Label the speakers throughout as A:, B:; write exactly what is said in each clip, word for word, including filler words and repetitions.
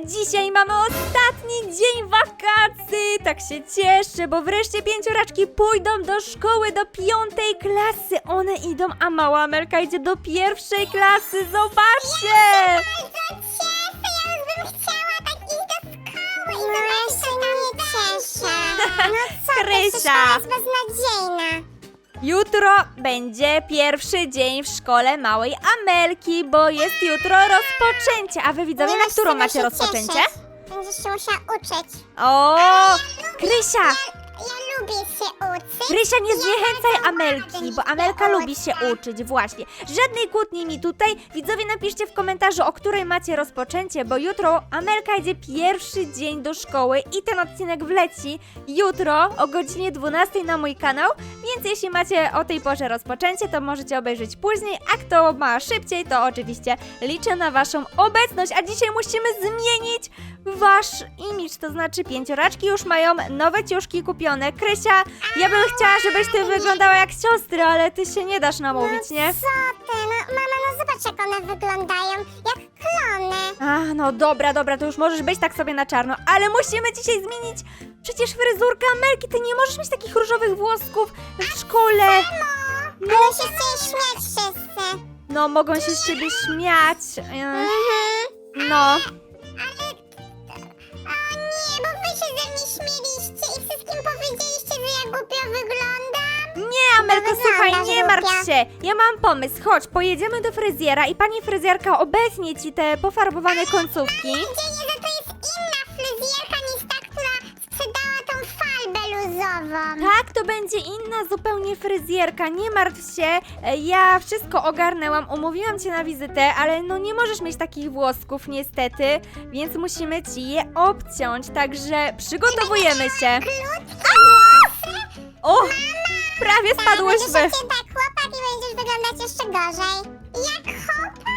A: dzisiaj mamy ostatni dzień wakacji. Tak się cieszę, bo wreszcie pięcioraczki pójdą do szkoły, do piątej klasy. One idą, a mała Amelka idzie do pierwszej klasy. Zobaczcie!
B: Bardzo cieszę, ja już bym chciała tak iść do szkoły. No ja się nie cieszę. No co,
A: Krysia.
B: ta szkoła jest beznadziejna.
A: Jutro będzie pierwszy dzień w szkole małej Amelki, bo jest jutro rozpoczęcie. A wy widzowie,
B: Nie
A: na
B: masz
A: którą
B: czego
A: macie
B: się
A: rozpoczęcie?
B: cieszyć. Będziesz się musiała uczyć.
A: O,
B: Ja
A: Krysia!
B: Ja, ja lubię się uczyć.
A: Krysia, nie
B: Ja
A: zniechęcaj
B: bardzo
A: Amelki,
B: ładnie
A: bo Amelka
B: się
A: lubi się
B: uczę.
A: uczyć, właśnie. Żadnej kłótni mi tutaj. Widzowie, napiszcie w komentarzu, o której macie rozpoczęcie, bo jutro Amelka idzie pierwszy dzień do szkoły i ten odcinek wleci jutro o godzinie dwunastej na mój kanał, więc jeśli macie o tej porze rozpoczęcie, to możecie obejrzeć później, a kto ma szybciej, to oczywiście liczę na waszą obecność, a dzisiaj musimy zmienić wasz imidż, to znaczy pięcioraczki już mają nowe ciuszki kupione. Krysia, ja bym chciała, żebyś ty wyglądała jak siostry, ale ty się nie dasz namówić, nie?
B: Co ty? No mama, no zobacz jak one wyglądają. Jak klony.
A: Ach, no dobra, dobra, to już możesz być tak sobie na czarno, ale musimy dzisiaj zmienić przecież fryzurkę Amelki, ty nie możesz mieć takich różowych włosków w szkole.
B: No. Ale się chcieli śmiać wszyscy.
A: No, mogą się z ciebie śmiać. Ym,
B: Mhm.
A: No,
B: Ale... O nie, bo wy się ze mnie śmieliście i wszystkim powiedzieliście, że ja głupio wyglądam.
A: nie, Amelko,
B: No
A: słuchaj,
B: wyglądasz
A: nie martw
B: głupia.
A: się. Ja mam pomysł, chodź, pojedziemy do fryzjera i pani fryzjerka obetnie ci te pofarbowane końcówki.
B: Dzieje, że to jest inna fryzjerka niż ta, która sprzedała tą falbę luzową.
A: Tak, to będzie inna zupełnie fryzjerka, nie martw się, e, ja wszystko ogarnęłam, umówiłam cię na wizytę, ale no nie możesz mieć takich włosków niestety, więc musimy ci je obciąć, także przygotowujemy się.
B: Krótkie włosy.
A: O, prawie
B: Będziesz
A: spadłyśmy.
B: jak tak chłopak i będziesz wyglądać jeszcze gorzej. Jak chłopak?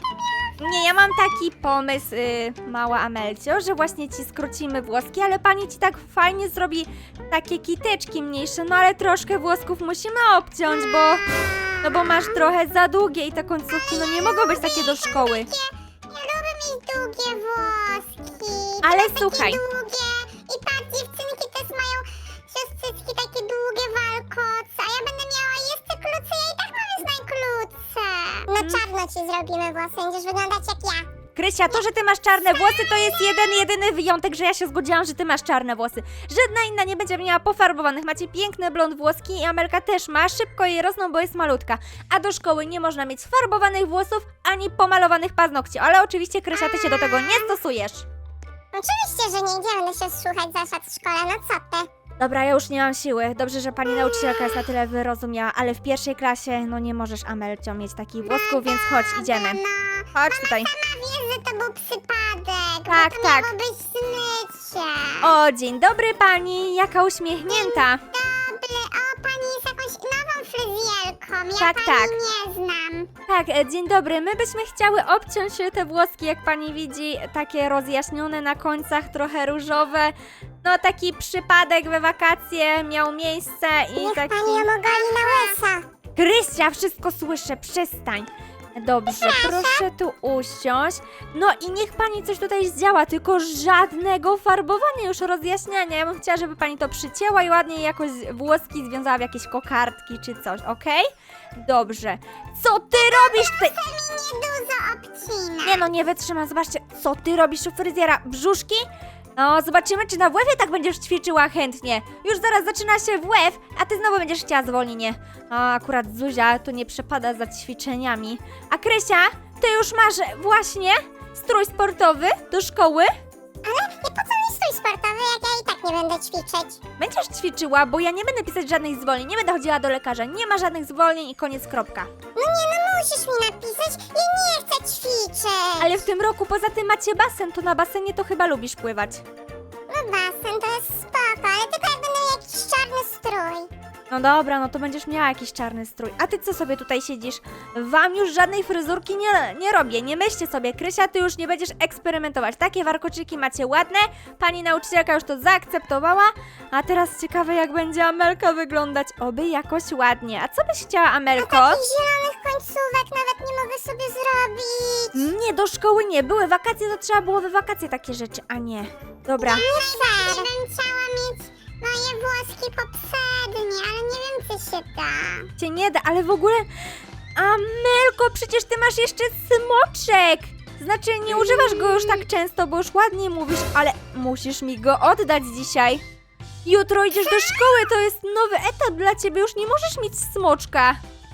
A: Nie, ja mam taki pomysł, y, mała Amelcio, że właśnie ci skrócimy włoski, ale pani ci tak fajnie zrobi takie kiteczki mniejsze, no ale troszkę włosków musimy obciąć, bo... No bo masz trochę za długie i te końcówki no nie mogą być takie do szkoły.
B: Ja lubię mieć długie włoski.
A: Ale
B: Teraz
A: słuchaj.
B: Takie długie. I patrz, dziewczynki też mają siostrzycki takie długie walkoce, a ja będę miała jeszcze krótsze, ja i tak mam już najkrótsze. No czarno ci zrobimy włosy, będziesz wyglądać jak ja.
A: Krysia, to, że ty masz czarne włosy, to jest jeden, jedyny wyjątek, że ja się zgodziłam, że ty masz czarne włosy. Żadna inna nie będzie miała pofarbowanych. Macie piękne blond włoski i Amelka też ma. Szybko jej rosną, bo jest malutka. A do szkoły nie można mieć farbowanych włosów, ani pomalowanych paznokci. Ale oczywiście, Krysia, ty się do tego nie stosujesz.
B: Oczywiście, że nie, gdzie będę się słuchać zasad w szkole, no co ty?
A: Dobra, ja już nie mam siły. Dobrze, że pani nauczycielka jest na tyle wyrozumiała, ale w pierwszej klasie, no nie możesz, Amelcio, mieć takich włosków, więc chodź, idziemy.
B: No,
A: Chodź tutaj.
B: sama wiesz, że to był przypadek,
A: Tak,
B: bo to
A: tak.
B: miało być zmycie.
A: O, dzień dobry pani, jaka uśmiechnięta.
B: Dobry, o, pani jest jakąś nową fryzjerką, ja
A: Tak,
B: pani
A: tak.
B: nie znam.
A: Tak, e, dzień dobry. My byśmy chciały obciąć e, te włoski, jak pani widzi, takie rozjaśnione na końcach, trochę różowe. No taki przypadek we wakacje miał miejsce i
B: Niech
A: taki...
B: pani ją ogoli na łyso.
A: Krysia, wszystko słyszę, przestań. Dobrze, proszę tu usiąść. No i niech pani coś tutaj zdziała, tylko żadnego farbowania, już rozjaśniania. Ja bym chciała, żeby pani to przycięła i ładnie jakoś włoski związała w jakieś kokardki czy coś, okej? Dobrze. Co ty robisz tutaj?
B: To mi niedużo obcina.
A: Nie no, nie wytrzymam, zobaczcie, co ty robisz u fryzjera? Brzuszki? No, zobaczymy, czy na W F-ie tak będziesz ćwiczyła chętnie. Już zaraz zaczyna się W F, a ty znowu będziesz chciała zwolnienie. A akurat Zuzia to nie przepada za ćwiczeniami. A Krysia, ty już masz właśnie strój sportowy do szkoły?
B: Ale i po co mi strój sportowy, jak ja i tak nie będę ćwiczyć?
A: Będziesz ćwiczyła, bo ja nie będę pisać żadnych zwolnień, nie będę chodziła do lekarza. Nie ma żadnych zwolnień i koniec, kropka.
B: No nie, no musisz mi napisać, ja nie chcę ćwiczyć.
A: Ale w tym roku poza tym macie basen, to na basenie to chyba lubisz pływać.
B: No basen to jest spoko, ale tylko jak będę miał jakiś czarny strój.
A: No dobra, no to będziesz miała jakiś czarny strój. A ty co sobie tutaj siedzisz? Wam już żadnej fryzurki nie, nie robię. Nie myślcie sobie, Krysia, ty już nie będziesz eksperymentować. Takie warkoczyki macie ładne. Pani nauczycielka już to zaakceptowała. A teraz ciekawe, jak będzie Amelka wyglądać. Oby jakoś ładnie. A co byś chciała, Amelko?
B: Takich zielonych końcówek nawet nie mogę sobie zrobić.
A: Nie, do szkoły nie. Były wakacje, to trzeba było we wakacje takie rzeczy, a nie. Dobra.
B: Nie fair. bym chciała mieć moje włoski poprzednie, ale nie wiem, czy się da.
A: Cię nie da, ale w ogóle... Amelko, przecież ty masz jeszcze smoczek! Znaczy, nie używasz go już tak często, bo już ładnie mówisz, ale musisz mi go oddać dzisiaj. Jutro idziesz do szkoły, to jest nowy etap dla ciebie, już nie możesz mieć smoczka.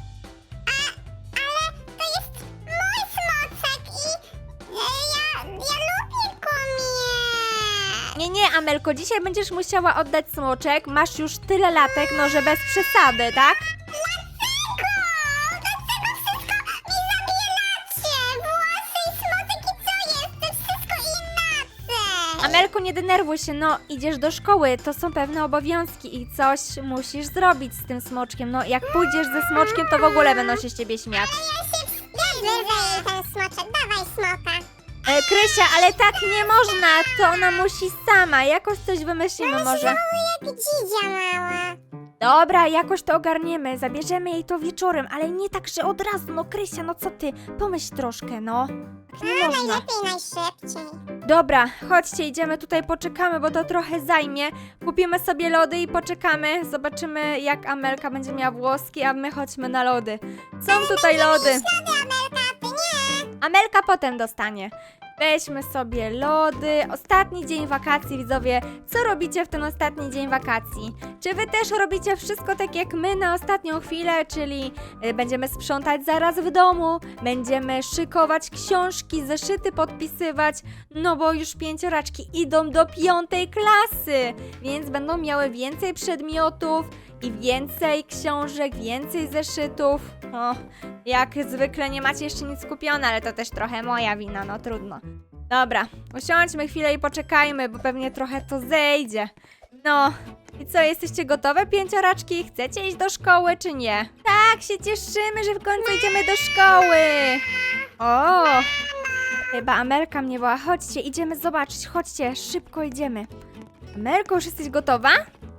B: Ale to jest mój smoczek i e, ja, ja lubię go mieć.
A: Nie, nie, Amelko, dzisiaj będziesz musiała oddać smoczek, masz już tyle latek, no że bez przesady, tak?
B: Dlaczego? Dlaczego wszystko mi zabieracie? Włosy i smoczek i co jest? To wszystko inaczej.
A: Amelko, nie denerwuj się, no idziesz do szkoły, to są pewne obowiązki i coś musisz zrobić z tym smoczkiem. No jak pójdziesz ze smoczkiem, to w ogóle będą się z ciebie śmiać.
B: Ja się wyrwę ten smoczek, dawaj smoka.
A: E, Krysia, ale tak nie można, to ona musi sama, jakoś coś wymyślimy może.
B: Znowu jak dzidzia mała.
A: Dobra, jakoś to ogarniemy, zabierzemy jej to wieczorem, ale nie tak, że od razu, no Krysia, no co ty, pomyśl troszkę, no. Tak nie
B: A
A: można.
B: najlepiej, najszybciej.
A: Dobra, chodźcie, idziemy tutaj, poczekamy, bo to trochę zajmie. Kupimy sobie lody i poczekamy, zobaczymy jak Amelka będzie miała włoski, a my chodźmy na lody. Są tutaj lody.
B: Ślady, Amelka, ty nie.
A: Amelka potem dostanie. Weźmy sobie lody. Ostatni dzień wakacji, widzowie. Co robicie w ten ostatni dzień wakacji? Czy wy też robicie wszystko tak jak my na ostatnią chwilę, czyli y, będziemy sprzątać zaraz w domu, będziemy szykować książki, zeszyty podpisywać, no bo już pięcioraczki idą do piątej klasy, więc będą miały więcej przedmiotów i więcej książek, więcej zeszytów. O, jak zwykle nie macie jeszcze nic kupione, ale to też trochę moja wina, no trudno. Dobra, usiądźmy chwilę i poczekajmy, bo pewnie trochę to zejdzie. No, i co, jesteście gotowe, pięcioraczki? Chcecie iść do szkoły, czy nie? Tak, się cieszymy, że w końcu idziemy do szkoły. O, chyba Amelka mnie woła. Chodźcie, idziemy zobaczyć, chodźcie, szybko idziemy. Amelko, już jesteś gotowa?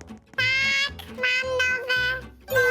B: Mam nowe.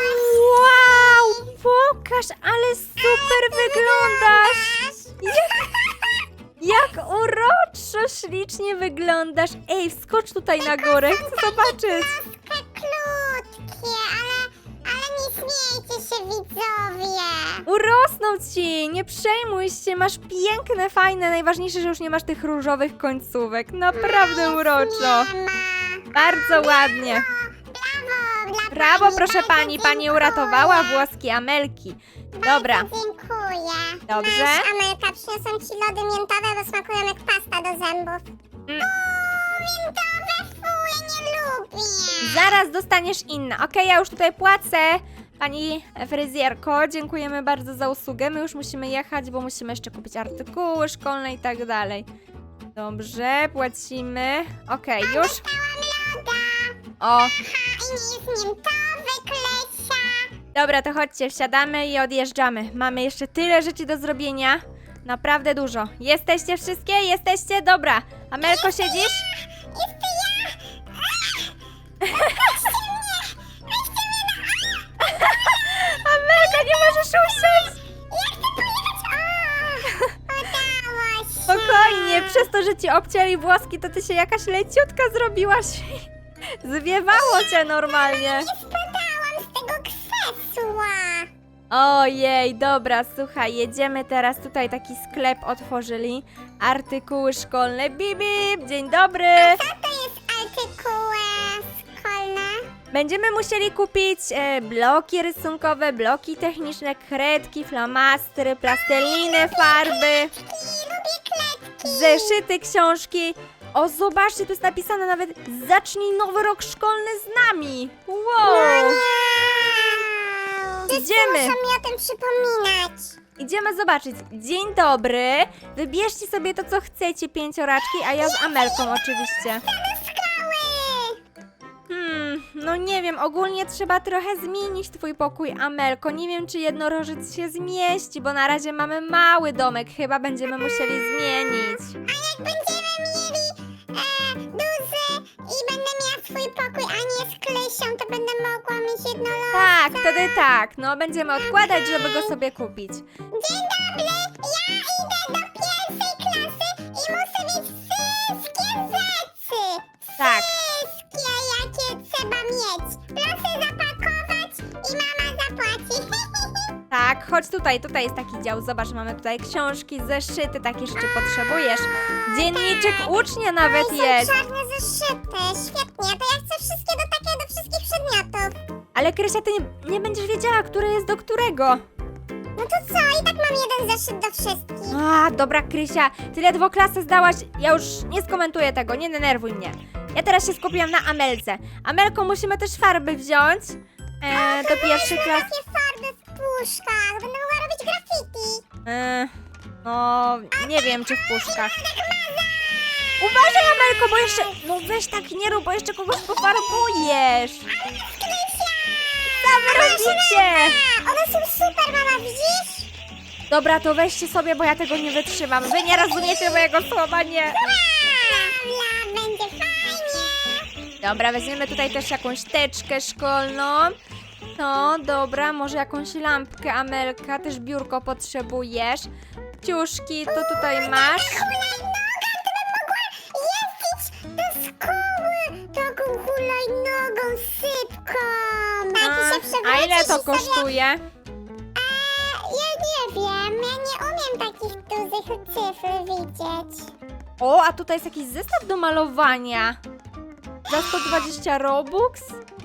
A: Wow, pokaż, ale super wyglądasz! Jak, jak uroczo, ślicznie wyglądasz. Ej, wskocz tutaj na górę, chcę zobaczyć.
B: Troszkę krótkie, ale, ale nie śmiejcie się, widzowie.
A: Urosną ci, nie przejmuj się, masz piękne, fajne, najważniejsze, że już nie masz tych różowych końcówek. Naprawdę uroczo.
B: Nie ma.
A: Bardzo ładnie.
B: Brawo, dla
A: Brawo,
B: pani,
A: proszę
B: bardzo
A: pani, pani
B: dziękuję.
A: uratowała włoski Amelki. Dobra,
B: Bardzo dziękuję.
A: Dobrze.
B: Masz, Amelka, przyniosłam ci lody miętowe, bo smakują jak pasta do zębów.
A: Mm.
B: Uuu, miętowe, fuj, nie lubię.
A: zaraz dostaniesz inne. Okej, ja już tutaj płacę. Pani fryzjerko, dziękujemy bardzo za usługę. My już musimy jechać, bo musimy jeszcze kupić artykuły szkolne i tak dalej. Dobrze, płacimy. Okej, już.
B: Dostałam loda.
A: O,
B: Ha, i nie jest miętowy, Klesia.
A: dobra, to chodźcie, wsiadamy i odjeżdżamy. Mamy jeszcze tyle rzeczy do zrobienia. Naprawdę dużo. Jesteście wszystkie? Jesteście? Dobra. Amelko, siedzisz?
B: Jeszcze ja.
A: Amelka, nie możesz usiąść!
B: Ja chcę pojechać. O, udało się.
A: Spokojnie, przez to, że ci obcięli włoski, to ty się jakaś leciutka zrobiłaś. Zwiewało cię normalnie.
B: Nie spadałam z tego krzesła.
A: Ojej, dobra, słuchaj, jedziemy teraz, tutaj taki sklep otworzyli. Artykuły szkolne, bip, bip, dzień dobry.
B: Co to jest artykuły szkolne?
A: Będziemy musieli kupić e, bloki rysunkowe, bloki techniczne, kredki, flamastry, plasteliny, farby,
B: I lubię kletki.
A: zeszyty, książki. O, zobaczcie, tu jest napisane nawet zacznij nowy rok szkolny z nami. Wow.
B: Wow.
A: Idziemy.
B: Muszą mi o tym przypominać.
A: Idziemy zobaczyć. Dzień dobry. Wybierzcie sobie to, co chcecie, pięcioraczki, a ja z Amelką oczywiście.
B: Skały.
A: Hmm, No nie wiem, ogólnie trzeba trochę zmienić twój pokój, Amelko. Nie wiem, czy jednorożec się zmieści, bo na razie mamy mały domek. Chyba będziemy musieli zmienić.
B: Jak będziemy mieli e, duży i będę miała swój pokój, a nie z Krysią, to będę mogła mieć jednorożca.
A: Tak, wtedy tak. No, będziemy odkładać, żeby go sobie kupić.
B: Dzień dobry, ja idę do pierwszej klasy i muszę mieć wszystkie rzeczy.
A: Tak.
B: Wszystkie, jakie trzeba mieć. Proszę zapakować i mama zapłaci.
A: Tak, chodź tutaj, tutaj jest taki dział. Zobacz, mamy tutaj książki, zeszyty, takie jeszcze potrzebujesz. Dzienniczek ucznia nawet
B: Oj,
A: jest.
B: są czarne zeszyty, świetnie. To ja chcę wszystkie do takie, do wszystkich przedmiotów.
A: Ale Krysia, ty nie, nie będziesz wiedziała, który jest do którego.
B: No to co, i tak mam jeden zeszyt do wszystkich.
A: A, dobra, Krysia, ty ledwo klasę zdałaś. Ja już nie skomentuję tego, nie denerwuj mnie. Ja teraz się skupiłam na Amelce. Amelko, musimy też farby wziąć e, do pierwszej klasy.
B: Takie farby w puszkach, będę mogła robić graffiti.
A: E, no, nie wiem, czy w puszkach. Uważaj, Amelko, bo jeszcze... No weź tak nie rób, bo jeszcze kogoś pofarbujesz. Co wy robicie?
B: A, one są super, mama, widzisz?
A: Dobra, to weźcie sobie, bo ja tego nie wytrzymam. Wy nie rozumiecie mojego słowa, nie.
B: Bla, będzie fajnie.
A: Dobra, weźmiemy tutaj też jakąś teczkę szkolną. No, dobra, może jakąś lampkę, Amelka, też biurko potrzebujesz. Ciuszki, to tutaj masz.
B: Hulajnoga, to bym mogła jeździć do szkoły taką hulajnogą sypką.
A: A,
B: A, ty się
A: a ile to
B: przewrócisz i sobie-
A: kosztuje?
B: A, ja nie wiem, ja nie umiem takich dużych cyfr widzieć.
A: O, a tutaj jest jakiś zestaw do malowania. Za sto dwadzieścia robux?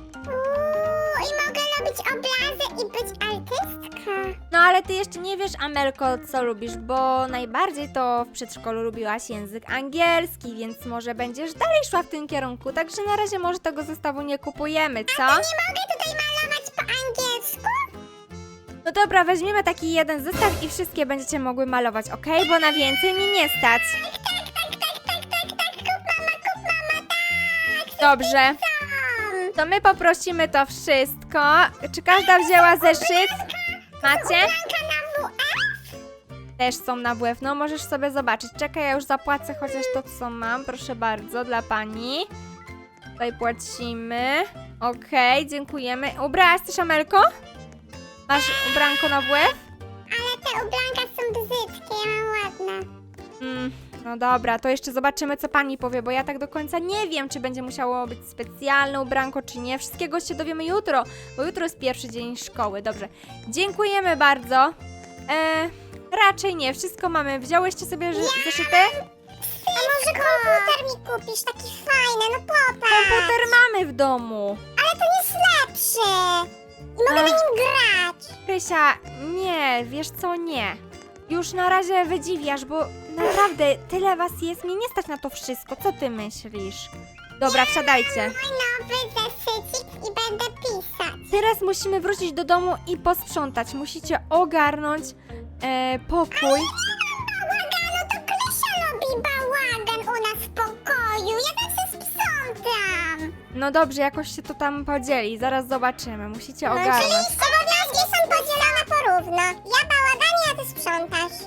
B: Uuu, i mogę robić obrazy i być artystka.
A: No ale ty jeszcze nie wiesz, Amelko, co lubisz, bo najbardziej to w przedszkolu lubiłaś język angielski, więc może będziesz dalej szła w tym kierunku, także na razie może tego zestawu nie kupujemy, co?
B: Nie mogę tutaj malować po angielsku?
A: No dobra, weźmiemy taki jeden zestaw i wszystkie będziecie mogły malować, ok? Bo na więcej mi nie stać.
B: Tak, tak, tak, tak, tak, tak, kup mama, kup mama, tak.
A: Dobrze,
B: Tam.
A: to my poprosimy to wszystko. Czy każda wzięła zeszyt? Macie?
B: Blanka na W F?
A: Też są na W F, no możesz sobie zobaczyć. Czekaj, ja już zapłacę chociaż to, co mam. Proszę bardzo, dla pani. Tutaj płacimy. Okej, dziękujemy. Ubrałaś coś, Amelko? Masz ubranko na W F?
B: Ale te ubranka są brzydkie, ja mam ładne.
A: Mm, no dobra, to jeszcze zobaczymy, co pani powie, bo ja tak do końca nie wiem, czy będzie musiało być specjalne ubranko, czy nie. Wszystkiego się dowiemy jutro, bo jutro jest pierwszy dzień szkoły. Dobrze, dziękujemy bardzo. E, raczej nie, wszystko mamy. Wzięłyście sobie ży- zeszyty?
B: A może komputer mi kupisz, taki fajny, no popatrz.
A: Komputer mamy w domu.
B: Ale to jest lepszy. I mogę
A: Ach.
B: na nim grać.
A: Krysia, nie, wiesz co, nie. Już na razie wydziwiasz, bo naprawdę tyle was jest, mnie nie stać na to wszystko. Co ty myślisz? Dobra, wsiadajcie.
B: Mój nowy zeszycik i będę pisać.
A: Teraz musimy wrócić do domu i posprzątać. Musicie ogarnąć e, pokój.
B: Bałaganu, to Krysia robi bałagan u nas w pokoju. Ja zawsze sprzątam.
A: No dobrze, jakoś się to tam podzieli. Zaraz zobaczymy. Musicie
B: No, czyli
A: ogarnąć.
B: obowiązki są podzielone porówno. Ja bałaganie, a ty sprzątasz.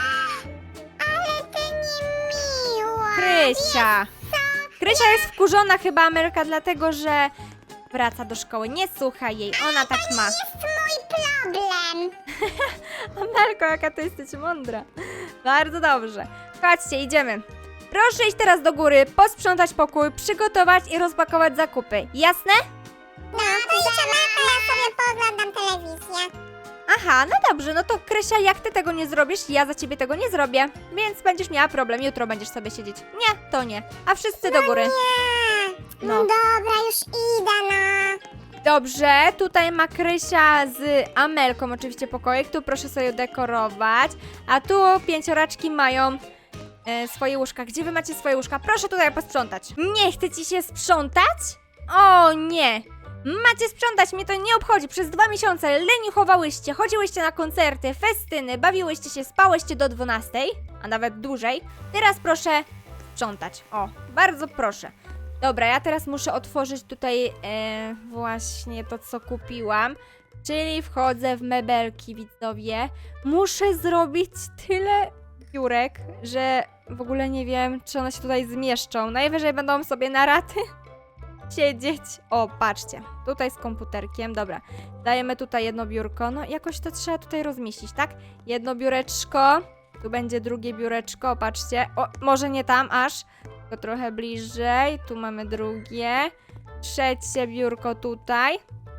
B: Ale ty niemiła.
A: Krysia. Krysia jest wkurzona chyba, Amelka, dlatego że wraca do szkoły. Nie słuchaj jej, ona tak ma.
B: jest mój problem.
A: Amelko, jaka ty jesteś mądra. Bardzo dobrze. Chodźcie, idziemy. Proszę iść teraz do góry, posprzątać pokój, przygotować i rozpakować zakupy. Jasne?
B: No, to idziemy, to ja sobie pooglądam telewizję.
A: Aha, no dobrze, no to Krysia, jak ty tego nie zrobisz, ja za ciebie tego nie zrobię. Więc będziesz miała problem, jutro będziesz sobie siedzieć. Nie, to nie. A wszyscy do góry.
B: Nie. No,
A: No.
B: dobra, już idę, no.
A: Dobrze, tutaj ma Krysia z Amelką oczywiście pokoik, tu proszę sobie dekorować. A tu pięcioraczki mają e, swoje łóżka. Gdzie wy macie swoje łóżka? Proszę tutaj posprzątać. Nie chce ci się sprzątać? O nie! Macie sprzątać, mnie to nie obchodzi. Przez dwa miesiące leniuchowałyście, chodziłyście na koncerty, festyny, bawiłyście się, spałyście do dwunastej, a nawet dłużej. Teraz proszę sprzątać. O, bardzo proszę. Dobra, ja teraz muszę otworzyć tutaj e, właśnie to, co kupiłam. Czyli wchodzę w mebelki, widzowie. Muszę zrobić tyle biurek, że w ogóle nie wiem, czy one się tutaj zmieszczą. Najwyżej będą sobie na raty siedzieć. O, patrzcie. Tutaj z komputerkiem. Dobra. Dajemy tutaj jedno biurko. No, jakoś to trzeba tutaj rozmieścić, tak? Jedno biureczko. Tu będzie drugie biureczko. Patrzcie. O, może nie tam aż. Tylko trochę bliżej. Tu mamy drugie. Trzecie biurko tutaj.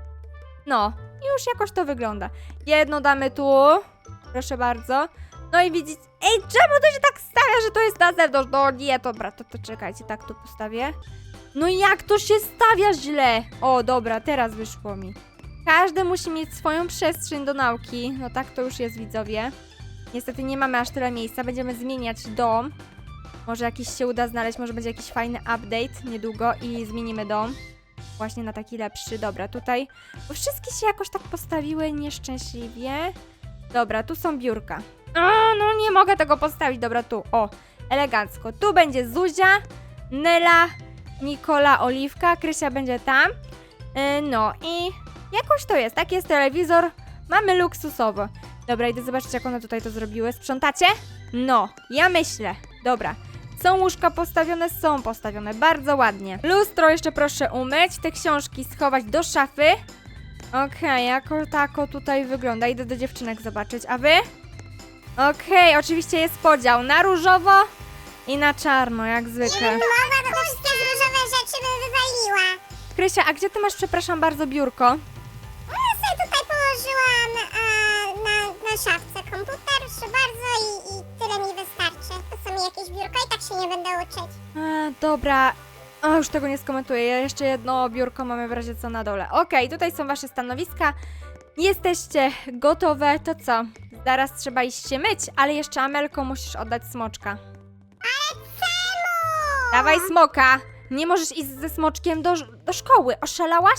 A: No, już jakoś to wygląda. Jedno damy tu. Proszę bardzo. No i widzicie. Ej, czemu to się tak stawia, że to jest na zewnątrz? No nie, dobra, to, to czekajcie, tak tu postawię. No jak to się stawia źle? O, dobra, teraz wyszło mi. Każdy musi mieć swoją przestrzeń do nauki. No tak to już jest, widzowie. Niestety nie mamy aż tyle miejsca. Będziemy zmieniać dom. Może jakiś się uda znaleźć, może będzie jakiś fajny update niedługo i zmienimy dom. Właśnie na taki lepszy. Dobra, tutaj. Bo wszystkie się jakoś tak postawiły nieszczęśliwie. Dobra, tu są biurka. A, no nie mogę tego postawić. Dobra, tu. O, elegancko. Tu będzie Zuzia, Nela, Nikola, Oliwka. Krysia będzie tam. Yy, no i jakoś to jest. Taki jest telewizor. Mamy luksusowo. Dobra, idę zobaczyć, jak one tutaj to zrobiły. Sprzątacie? No, ja myślę. Dobra. Są łóżka postawione? Są postawione. Bardzo ładnie. Lustro jeszcze proszę umyć. Te książki schować do szafy. Okej, okay, jako tako tutaj wygląda. Idę do dziewczynek zobaczyć. A wy? Okej, okay, oczywiście jest podział na różowo i na czarno, jak zwykle.
B: Mowa, to te wszystkie różowe rzeczy bym wywaliła.
A: Krysia, a gdzie ty masz, przepraszam bardzo, biurko?
B: No ja sobie tutaj położyłam e, na, na szafce komputer, proszę bardzo, i, i tyle mi wystarczy. To są mi jakieś biurko i tak się nie będę uczyć.
A: A, dobra. O, już tego nie skomentuję. Ja jeszcze jedno biurko mamy w razie co na dole. Okej, okay, tutaj są wasze stanowiska. Jesteście gotowe, to co? Zaraz trzeba iść się myć, ale jeszcze Amelko musisz oddać smoczka.
B: Ale czemu?
A: Dawaj smoka! Nie możesz iść ze smoczkiem do, do szkoły. Oszalałaś?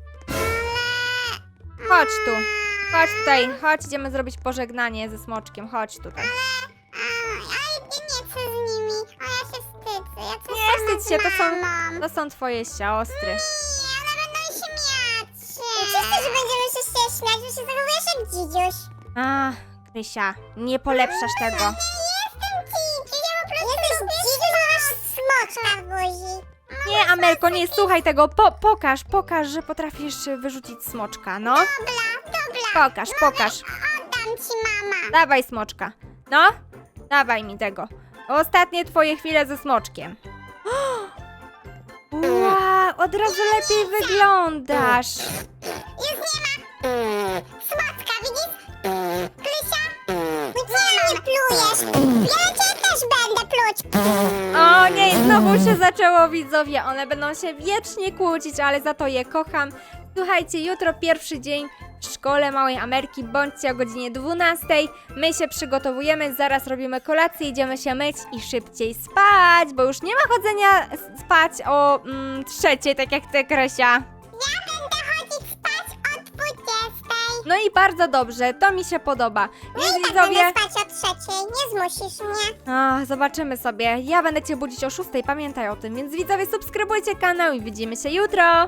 A: Chodź tu. Chodź tutaj. Chodź, idziemy zrobić pożegnanie ze smoczkiem. Chodź tutaj.
B: Ale ja nie chcę z nimi. A ja się wstydzę. Ja chcę
A: Nie
B: sama
A: wstydź się,
B: z
A: to są,
B: mamą.
A: to są twoje siostry.
B: Nie, one będą się miać. Oczywiście, że będziemy się się śmiać, bo się zachowujesz jak dzidziuś.
A: A, Krysia, nie polepszasz tego.
B: Nie jestem dzidziuś, ja po prostu... Jesteś dzidziuś, bo masz smoczka w buzi.
A: Nie, Amelko, nie, słuchaj tego. Po, pokaż, pokaż, że potrafisz wyrzucić smoczka, no.
B: Dobra, dobra.
A: Pokaż, pokaż.
B: Oddam ci, mama.
A: Dawaj smoczka. No, dawaj mi tego. Ostatnie twoje chwile ze smoczkiem. Wow, od razu lepiej wyglądasz.
B: Już nie ma. Smoczka, widzisz? Krysia? Nie, nie plujesz. Ja na ciebie też będę pluć.
A: O nie, znowu się zaczęło, widzowie. One będą się wiecznie kłócić, ale za to je kocham. Słuchajcie, jutro pierwszy dzień w szkole Małej Amerki. Bądźcie o godzinie dwunastej. My się przygotowujemy, zaraz robimy kolację, idziemy się myć i szybciej spać, bo już nie ma chodzenia s- spać o mm, trzeciej, tak jak ty, Krysia.
B: Ja będę chodzić spać o dwudziestej.
A: No i bardzo dobrze, to mi się podoba. Więc
B: I tak
A: widzowie...
B: będę spać o trzeciej. Nie zmusisz mnie.
A: A, zobaczymy sobie. Ja będę cię budzić o szóstej, pamiętaj o tym. Więc widzowie, subskrybujcie kanał i widzimy się jutro.